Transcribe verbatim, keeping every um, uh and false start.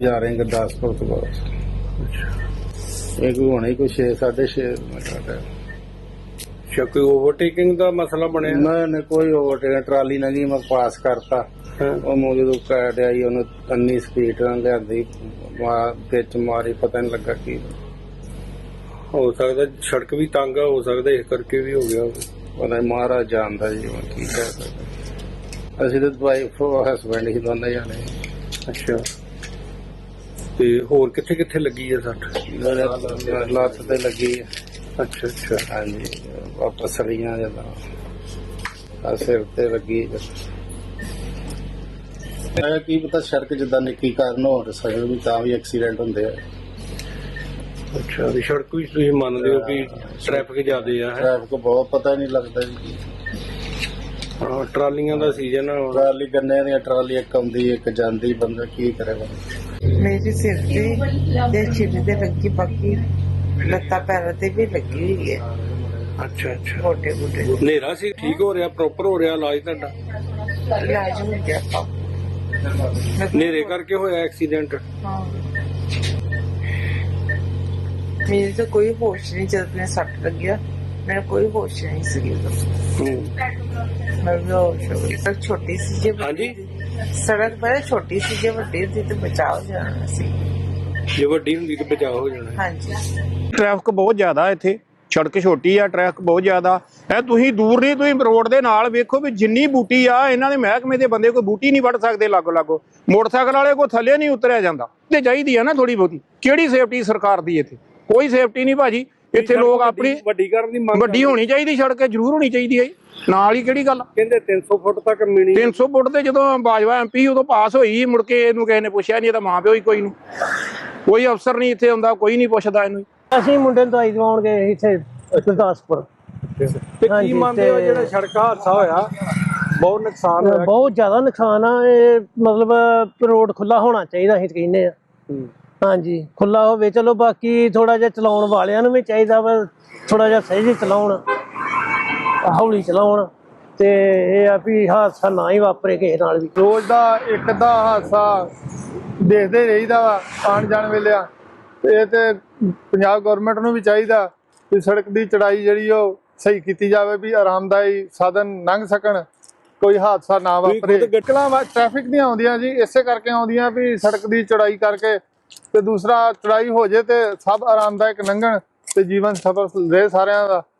जा रहे हैं गुरदासपुर तो बहुत एक होना ही कोई छे साढ़े छे मिनट है। अच्छा कोई ओवरटेकिंग का मसला बनया? मैंने कोई ओवरटेक ट्राली लगी मैं पास करता ਉਹ ਮੈਨੂੰ ਜਦੋਂ ਕੈਟ ਆਈ ਉਹਨੂੰ ਅੰਨੀ ਸਪੀਡ ਨਾਲ ਲਿਆਂਦੀ ਵਿੱਚ ਮਾਰੀ ਪਤਾ ਨਹੀਂ ਲੱਗਾ ਕੀ ਹੋ ਸਕਦਾ ਸੜਕ ਵੀ ਤੰਗ ਆ, ਹੋ ਸਕਦਾ ਇਸ ਕਰਕੇ ਵੀ ਹੋ ਗਿਆ ਪਤਾ ਨਹੀਂ ਮਹਾਰਾਜ ਜਾਣਦਾ ਜੀ ਮੈਂ ਕੀ ਕਹਿ ਸਕਦਾ। ਅਸੀਂ ਤਾਂ ਵਾਈਫ ਹਸਬੈਂਡ ਹੀ ਦੋਨੇ ਜਾਣੇ। ਅੱਛਾ ਤੇ ਹੋਰ ਕਿੱਥੇ ਕਿੱਥੇ ਲੱਗੀ ਆ ਸੱਟ? ਲੱਤ ਤੇ ਲੱਗੀ ਹੈ। ਅੱਛਾ ਅੱਛਾ ਹਾਂਜੀ ਵਾਪਸ ਸੜੀਆਂ ਜਦੋਂ ਸਿਰ ਤੇ ਲੱਗੀ। ਕੀ ਪਤਾ ਸੜਕ ਜਿੱਦਾਂ ਨਿੱਕੀ ਕਾਰਨ ਹੋ ਸਕਦੇ ਵੀ ਤਾਂ ਵੀ ਐਕਸੀਡੈਂਟ ਹੁੰਦੇ ਆ। ਅੱਛਾ ਵੀ ਸੜਕ ਵੀ ਤੁਸੀਂ ਮੰਨਦੇ ਹੋ ਕਿ ਟ੍ਰੈਫਿਕ ਜ਼ਿਆਦੇ ਆ? ਟ੍ਰੈਫਿਕ ਬਹੁਤ ਪਤਾ ਨਹੀਂ ਲੱਗਦਾ ਜੀ। ਹਾਂ ਟਰਾਲੀਆਂ ਦਾ ਸੀਜ਼ਨ ਆ। ਟਰਾਲੀ ਗੰਨੇ ਦੀਆਂ ਟਰਾਲੀ ਇੱਕ ਆਉਂਦੀ ਇੱਕ ਜਾਂਦੀ, ਬੰਦਾ ਕੀ ਕਰੇਗਾ। मेरे सिर पे ते छिल ते लगी, बाकी लत्ता पैरों ते भी लगी हुई है। ਅੱਛਾ ਅੱਛਾ गोटे गोटे ਹਨੇਰਾ ਸੀ? ਠੀਕ ਹੋ ਰਿਹਾ, ਪ੍ਰੋਪਰ ਹੋ ਰਿਹਾ ਇਲਾਜ ਤੁਹਾਡਾ? इलाज हो गया। ਹਨੇਰੇ ਕਰਕੇ ਹੋਇਆ ਐਕਸੀਡੈਂਟ? हाँ मेरे तो कोई होश नहीं जब मैं सट लग गया, मेरा कोई होश नहीं सी। मैं बेहोश हो गई। सड़क छोटी सी जे हाँ जी? सड़क बड़ा छोटी सी जे वड्डी सी तो बचाव जाना सी। ਜੇ ਵੱਡੀ ਹੁੰਦੀ ਤਾਂ ਬਚਾਅ ਹੋ ਜਾਣਾ। हाँ जी ਟ੍ਰੈਫਿਕ ਬਹੁਤ ਜ਼ਿਆਦਾ ਇੱਥੇ, ਸੜਕ ਛੋਟੀ ਆ, ਟ੍ਰੈਫਿਕ ਬਹੁਤ ਜ਼ਿਆਦਾ ਹੈ। ਤੁਸੀਂ ਦੂਰ ਨਹੀਂ, ਤੁਸੀਂ ਰੋਡ ਦੇ ਨਾਲ ਵੇਖੋ ਵੀ ਜਿੰਨੀ ਬੂਟੀ ਆ, ਇਹਨਾਂ ਦੇ ਮਹਿਕਮੇ ਦੇ ਬੰਦੇ ਕੋਈ ਬੂਟੀ ਨਹੀਂ ਵੱਢ ਸਕਦੇ ਲਾਗੋ ਲਾਗੋ। ਮੋਟਰਸਾਈਕਲ ਵਾਲੇ ਕੋ ਥੱਲੇ ਨਹੀਂ ਉਤਰਿਆ ਜਾਂਦਾ ਤੇ ਚਾਹੀਦੀ ਆ ਨਾ ਥੋੜੀ ਬਹੁਤੀ। ਕਿਹੜੀ ਸੇਫਟੀ ਸਰਕਾਰ ਦੀ ਇੱਥੇ? ਕੋਈ ਸੇਫਟੀ ਨਹੀਂ ਭਾਜੀ ਇੱਥੇ। ਲੋਕ ਆਪਣੀ ਵੱਡੀ ਕਰਨ ਦੀ ਮੰਗ ਵੱਡੀ ਹੋਣੀ ਚਾਹੀਦੀ, ਸੜਕ ਜ਼ਰੂਰ ਹੋਣੀ ਚਾਹੀਦੀ ਹੈ। ਨਾਲ ਹੀ ਕਿਹੜੀ ਗੱਲ? ਕਹਿੰਦੇ ਤਿੰਨ ਸੌ ਫੁੱਟ ਤੱਕ ਮਿਣੀ। ਤਿੰਨ ਸੌ ਫੁੱਟ ਤੇ ਜਦੋਂ ਬਾਜਵਾ ਐਮ ਪੀ ਉਦੋਂ ਪਾਸ ਹੋਈ, ਮੁੜ ਕੇ ਇਹਨੂੰ ਕਿਸੇ ਨੇ ਪੁੱਛਿਆ ਨਹੀਂ, ਇਹਦਾ ਮਾਂ ਪਿਓ ਹੀ ਕੋਈ ਨੂੰ, ਕੋਈ ਅਫਸਰ ਨਹੀਂ ਇੱਥੇ ਆਉਂਦਾ, ਕੋਈ ਨਹੀਂ ਪੁੱਛਦਾ ਇਹਨੂੰ। ਅਸੀਂ ਮੁੰਡੇ ਨੂੰ ਦਵਾਈ ਦਵਾਉਣ ਗਏ ਇੱਥੇ ਗੁਰਦਾਸਪੁਰ। ਤੇ ਕੀ ਮੰਨਦੇ ਹੋ ਜਿਹੜਾ ਸੜਕ ਹਾਦਸਾ ਹੋਇਆ ਬਹੁਤ ਨੁਕਸਾਨ ਹੋਇਆ? ਬਹੁਤ ਜ਼ਿਆਦਾ ਨੁਕਸਾਨ ਆ। ਇਹ ਮਤਲਬ ਰੋਡ ਖੁੱਲਾ ਹੋਣਾ ਚਾਹੀਦਾ, ਅਸੀਂ ਕਹਿੰਦੇ ਆ। ਹਾਂਜੀ ਖੁੱਲਾ ਹੋਵੇ ਚਲੋ, ਬਾਕੀ ਥੋੜਾ ਜਿਹਾ ਚਲਾਉਣ ਵਾਲਿਆਂ ਨੂੰ ਵੀ ਚਾਹੀਦਾ ਵਾ ਥੋੜਾ ਜਿਹਾ ਸਹੀ ਚਲਾਉਣ, ਹੌਲੀ ਚਲਾਉਣ, ਤੇ ਇਹ ਆ ਵੀ ਹਾਦਸਾ ਨਾ ਹੀ ਵਾਪਰੇ ਕਿਸੇ ਨਾਲ ਵੀ। ਰੋਜ਼ ਦਾ ਇੱਕ ਅੱਧਾ ਹਾਦਸਾ ਦੇਖਦੇ ਰਹੀਦਾ ਵਾ ਆਉਣ ਜਾਣ ਵੇਲੇ ਆ। ਇਹ ਤੇ ਪੰਜਾਬ ਗਵਰਨਮੈਂਟ ਨੂੰ ਵੀ ਚਾਹੀਦਾ ਵੀ ਸੜਕ ਦੀ ਚੜਾਈ ਜਿਹੜੀ ਉਹ ਸਹੀ ਕੀਤੀ ਜਾਵੇ, ਵੀ ਆਰਾਮਦਾਈ ਸਾਧਨ ਲੰਘ ਸਕਣ, ਕੋਈ ਹਾਦਸਾ ਨਾ ਵਾਪਰੇ। ਗੱਟਲਾਂ ਟ੍ਰੈਫਿਕ ਦੀਆਂ ਆਉਂਦੀਆਂ ਜੀ ਇਸੇ ਕਰਕੇ ਆਉਂਦੀਆਂ ਵੀ ਸੜਕ ਦੀ ਚੜਾਈ ਕਰਕੇ, ਤੇ ਦੂਸਰਾ ਚੜਾਈ ਹੋ ਜੇ ਤੇ ਸਭ ਆਰਾਮਦਾਇਕ ਲੰਘਣ ਤੇ ਜੀਵਨ ਸਫਲ ਰਹੇ ਸਾਰਿਆਂ ਦਾ।